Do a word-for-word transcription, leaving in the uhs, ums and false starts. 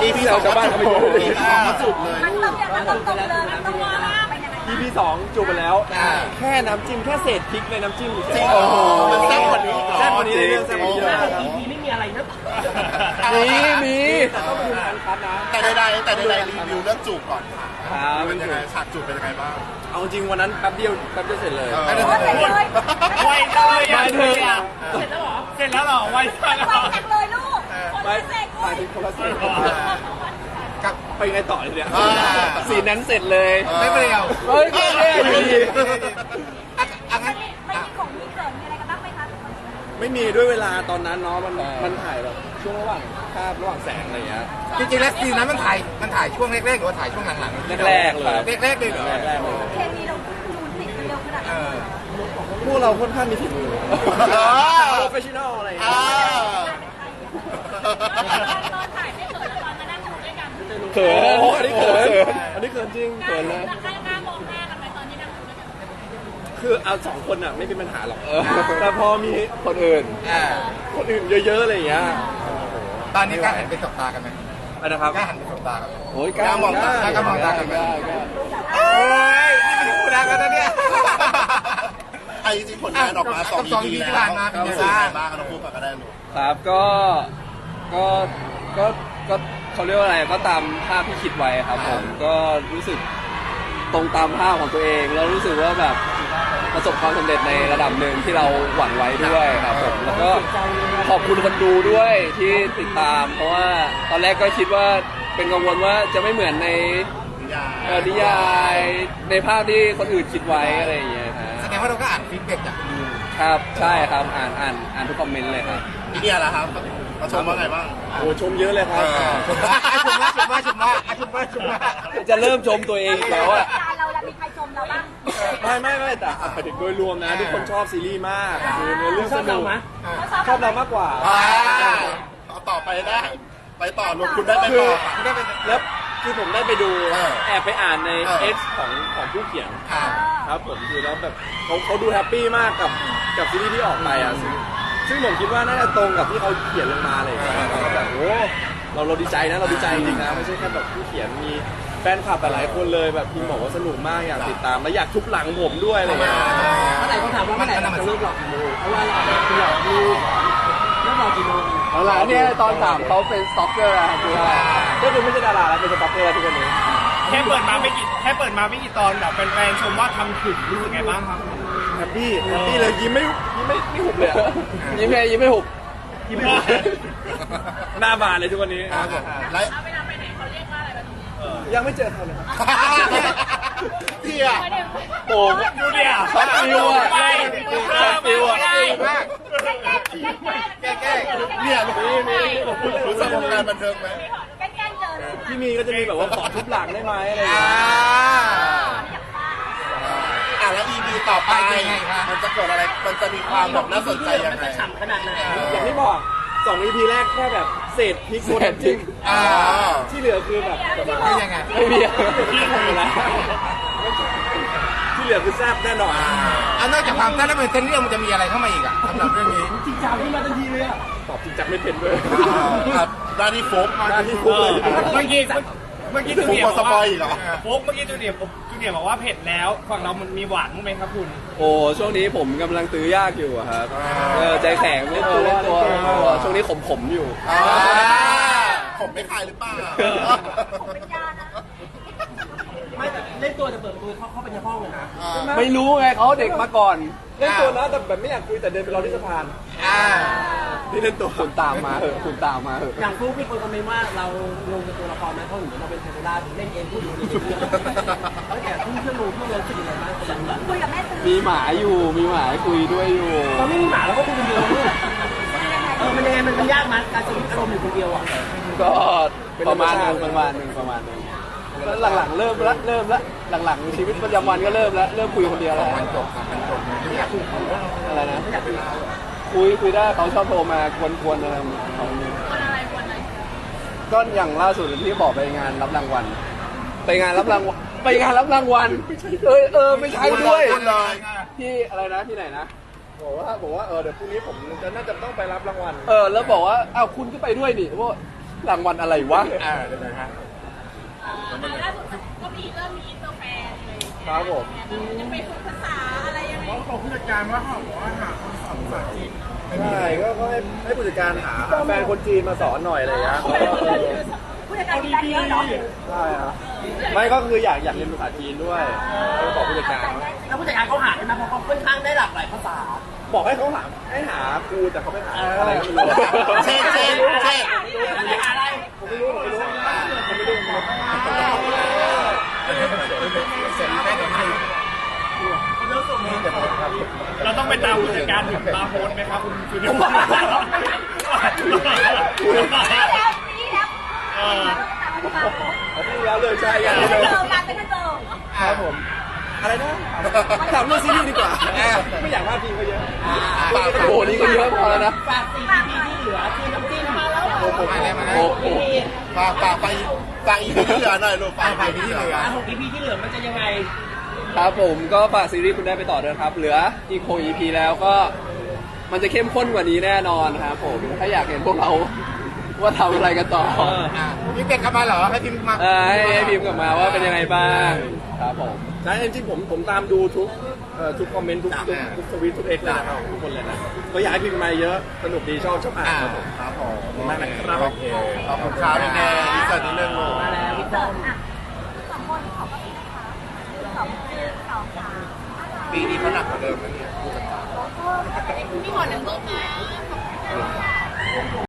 พีสองจะบ้านเขาไปดูเลยมาจุดเลยมันต้องอย่างมันต้องตรงเลยมันต้องว่าไปยังไงอีพีสองจูบไปแล้วแค่น้ำจิ้มแค่เศษพริกในน้ำจิ้มจริงโอ้โหมันแซ่บกว่านี้แซ่บกว่านี้เรื่องแซ่บกว่านี้เยอะครับอีพีไม่มีอะไรนะมีมีแต่ต้องไปดูการคัดนะแต่ใดๆแต่ใดๆรีวิวเรื่องจูบก่อนค่ะครับเป็นยังไงฉากจูบเป็นยังไงบ้างเอาจริงวันนั้นแป๊บเดียวแป๊บเดียวเสร็จเลยเออโอ้เสร็จเลยไวจังเลยไม่ถึงเสร็จแล้วเหรอเสร็จแล้วเหรอไวจังไปจังเลยลูกคนไม่พิเศษหมายถึงคนละสีกับไปไงต่อเลยเนี่ยอ่าสีนั้นเสร็จเลยไม่เปรี้ยวเฮ้ยไม่แย่อยู่ดีอ่ะงั้นไม่มีของมีเกิดมีอะไรกันบ้างไหมคะไม่มีด้วยเวลาตอนนั้นเนาะมันมันถ่ายแบบช่วงระหว่างคาบระหว่างแสงอะไรอย่างเงี้ยจริงๆแล้วซีนนั้นมันถ่ายมันถ่ายช่วงแรกๆหรือว่าถ่ายช่วงหลังๆแรกๆเลยแรกๆเลยเหรอแรกๆเลยเคมีเราจูนติดเร็วขนาดเอนั้นอพวกเราค่อนข้างมีฝีมืออโปรเฟชชั่นอลอะไรอย่างอ่าเงี้ยตอนถ่ายไม่เกิดตอนมานั่งดูด้วยกันเขินอันนี้เขินอันนี้เขินจริงเขินเลยกล้ากล้ามองหน้ากันไหมตอนที่นั่งดูด้วยกันคือเอาสองคนอ่ะไม่เป็นปัญหาหรอกแต่พอมีคนอื่นอ่าคนอื่นเยอะๆอะไรอย่างเงี้ยตอนนี้กล้าหันไปสบตากันไหมอันนะครับกล้าหันไปสบตากันไหมโอ้ยกล้ามองตากล้ามองตากันไหมกล้ากล้าโอ้ยนี่เป็นคู่รักกันนะเนี่ยไอ้จริงๆผลงานออกมาสองสองอีอีพีที่แล้วผ่านมาเป็นรู้ยังสึกไงยังไงบ้าบ้าง งเราพูดกันก็ได้ลูกครับก็ก็ก็ก็เขาเรียกว่าอะไรก็ตามภาพที่คิดไว้ครับผมก็รู้สึกตรงตามภาพของตัวเองแล้วรู้สึกว่าแบบประสบความสำเร็จในระดับหนึ่งที่เราหวังไว้ด้วยครับผมแล้วก็ขอบคุณคนดูด้วยที่ติดตาม เพราะว่าตอนแรกก็คิดว่าเป็นกังวลว่าจะไม่เหมือนในเอ่อนิยายในภาพที่คนอื่นคิดไว้อะไรอย่างเงี้ยฮะแสดงว่าเราก็อ่านฟีดแบ็กจากดูครับใช่ครับอ่านอ่านอ่านทุกคอมเมนต์เลยครับอีเนี่ยแหละครับมาชมว่าไงบ้างโอ้ชมเยอะเลยครับชมว่าชมว่าชมว่าชมว่าชมว่าชมว่าจะเริ่มชมตัวเองอีกแล้วอะการเราเรามีใครชมเราบ้างไม่ไม่ไม่แต่หมายถึงโดยรวมนะ ทุกคนชอบซีรีส์มากคือเนื้อเรื่องชสอบนุเรากไหมชอบเรามากกว่าอ่าเอาต่อไปได้ ไปต่อลงคุณได้ไปคือต่อคุณได้เป็นแล้วคือผมได้ไปดูเออแอบไปอ่านในเออ X ของของผู้เขียนอ่าครับผมคือแล้วแบบเขาเขาดูแฮปปี้มากกับกับซีรีส์ที่ออกไปอ่ะซึ่งซึ่งผมคิดว่าน่าจะตรงกับที่เขาเขียนลงมาเลยแล้วก็แบบโอ้เราเราดีใจนะเราดีใจจริงๆนะไม่ใช่แค่แบบผู้เขียนมีแฟนคลับหลายคนเลยแบบพิมพ์บอกว่าสนุกมากอยากติดตามและอยากทุบหลังผมด้วยอะไรเงี้ยเมื่อไหร่เขาถามว่าเมื่อไหร่เราจะเลิกหลอกกี่โมงเพราะว่าเราคือหลอกลูกเลิกหลอกกี่โมงเอาล่ะเนี่ยตอนถามเขาเป็นสต็อกเกอร์อะคือว่าก็คือไม่ใช่ดาราแล้วเป็นสต็อกเกอร์ทุกคนนี้แค่เปิดมาไม่กี่แค่เปิดมาไม่กี่ตอนแบบแฟนๆชมว่าทำถึงรู้สึกไงบ้างครับแฮปปี้แฮปปี้เลยยิ้มไม่ยิ้มไม่ไม่หุบเลยอะยิ้มแค่ยิ้มไม่หุบยิ้มไม่หุบหน้าบานเลยทุกวันนี้ครับผมและยังไม่เจอใครเลยครับเที่ยโอ้ดูเนี่ยช็อตฟิวอะช็อตฟิวอะแก้แก้เนี่ยลูกรู้สึกวงการบันเทิงไหมแกล้งเจอที่มีก็จะมีแบบว่าขอทุบหลังได้ไหมอะไรอย่างอ่าเงี้ยอ่ะแล้ว อี พี ต่อไปไปยังไงคะมันจะเกิดอะไรมันจะมีความแบบน่าสนใจยังไงฉ่ำขนาดไหนอย่างที่บอกสอง อี พี แรกแค่แบบเศษพริกบนน้ำจิ้มอ่าที่เหลือคือแบบคือยังไงไม่มีอะหมดแล้วที่เหลือคือแซ่บแน่นอนอันนอกจากความแซ่บแล้วมันเส้นเรื่องมันจะมีอะไรเข้ามาอีกอ่ะสำหรับเรื่องนี้จริงจังขึ้นมาทันทีเลยอ่ะตอบจริงจังไม่เป็นด้วยครับด้านนี้โฟกหน้าที่ฟุกเลยเมื่อกี้เมื่อกี้จูฟุกเนียพร์อบ สอกปอว่ายอีกเหรอโฟกเมื่อกี้จูเนียร์จูเนียร์บอกว่าเผ็ดแล้วฝั่งเรามันมีหวานมั้างไหมครับคุณโอ้ช่วงนี้ผมกำลังตื้อยากอยู่อะครับเออใจแข็งเล่นตัวเล่นตัวเล่นตัวช่วงนี้ขมขมๆอยู่อ่าผมไม่คายหรือเปล่าผมเป็นยานะไม่แต่เล่นตัวจะเปิดประตูเข้าเข้าไปในห้องเลยนะไม่รู้ไงเขาเด็กมาก่อนเล่นตัวนะแต่แบบไม่อยากคุยแต่เดินไปรอที่สะพานอ่านี่เล่นตัวคุณตามมาเหอะคุณตามมาเหอะอย่างฟลุ๊กมีคนคอมเมนต์ว่าเราลงกับตัวละครไหมเพราะเหมือนเราเป็นเทวดาเล่นเองพูดอยู่ในเรื่องแล้วแต่ทุ่มเครื่องมือพวกเราคิดยังไงบ้างคนละคุยกับแม่ซื้อมีหมาอยู่มีหมาคุยด้วยอยู่เราไม่มีหมาเราก็คุยคนเดียวลูกเออมันยังไงมันยากมั้ยการสวิตช์อารมณ์อยู่คนเดียวอ่ะก็ประมาณหนึงประมาณหนึงประมาณหนึงแล้วหลังๆเริ่มละเริ่มละหลังๆชีวิตประจำวันก็เริ่มละเริ่มคุยคนเดียวแล้วมันจบครับมันจบไม่อยากคุยกับเขาอะไรนะคุยคุยได้เขาชอบโทรมากวนๆอะไรของเขาเนี่ยก็อย่างล่าสุดที่บอกไปงานรับรางวัลไปงานรับรางวัลไปงานรับรางวัลเออเออไม่ใช่ด้วยพูดเลยที่อะไรนะที่ไหนนะบอกว่าบอกว่าเออเดี๋ยวพรุ่งนี้ผมจะน่าจะต้องไปรับรางวัลเออแล้วบอกว่าอ้าวคุณก็ไปด้วยดิว่ารางวัลอะไรวะอ่าเดี๋ยวนะฮะล่าสุดก็มีเริ่มมีอินเตอร์แฟนเลยครับผมจะไปฝึกภาษาอะไรยังไงเขาบอกผู้จัดการว่าเขาบอกว่าหาคนสอนภาษาจีนใช่ก็ก็ให้ให้ผู้จัดการหาหาแฟนคนจีนมาสอนหน่อยอะไรอย่างเงี้ยก็เออผู้จัดการมีได้เยอะเหรอใช่ครับไม่ก็คืออยากอยากเรียนภาษาจีนด้วยก็บอกผู้จัดการแล้วผู้จัดการเขาหาใช่ไหมเพราะเขาค่อนข้างได้หลากหลายภาษาบอกให้เขาหาให้หาครูแต่เขาไม่หาอะไรก็ไม่รู้เช่เช่เช่ไม่หาอะไรผมไม่รู้ผมไม่รู้ผมไม่รู้ผมไม่รู้เสร็จได้ตรงนี้เราต้องไปตามผู้จัดการถึงตามโพสต์ไหมครับคุณคุณผมว่าปีแล้วปีแล้วเอออาทิตย์แล้วเลยใช่ยังไม่ไม่เจเลยอกันไม่เจอครับผมอะไรนะถามเรื่องซีรีส์ดีกว่าไม่อยากว่าทีมเขาเยอะโอ้โหนี่ก็เยอะพอแล้วนะฝากสี่ อี พี ที่เหลือคือน้ำจิ้มมาแล้วโอ้โหมาแล้วมาแล้วโอ้โหฝากฝากไปฝากอีกที่เหลือหน่อยลูกฝากไปที่เหลืออ่ะหก อี พี ที่เหลือมันจะยังไงครับผมก็ฝากซีรีส์คุณได้ไปต่อด้วยครับ เหลืออีกหก อี พี แล้วก็มันจะเข้มข้นกว่านี้แน่นอนครับผมถ้าอยากเห็นพวกเราว่าทำอะไรกันต่ออ่าพี่เป็ดกลับมาเหรอให้พิมพ์มาเออให้ให้พิมพ์กลับมาว่าเป็นยังไงบ้างครับผมใช่จริงๆผมผมตามดูทุกเอ่อทุกคอมเมนต์ทุกทุกทุกทวิตทุกเอ็กซ์เลยนะครับทุกคนเลยนะก็อยากให้พิมพ์มาเยอะสนุกดีชอบชอบอ่านอ่าครับผมครับผมขอบคุณมากนะครับโอเคขอบคุณครับพี่แนนที่เสิร์ฟนิดนึงลูกมาแล้วพี่ต้อมสองคนขอบคุณนะคะสองคือสองสามปีนี้เขาหนักกว่าเดิมนะเนี่ยพี่หมอหนึ่งรูปนะ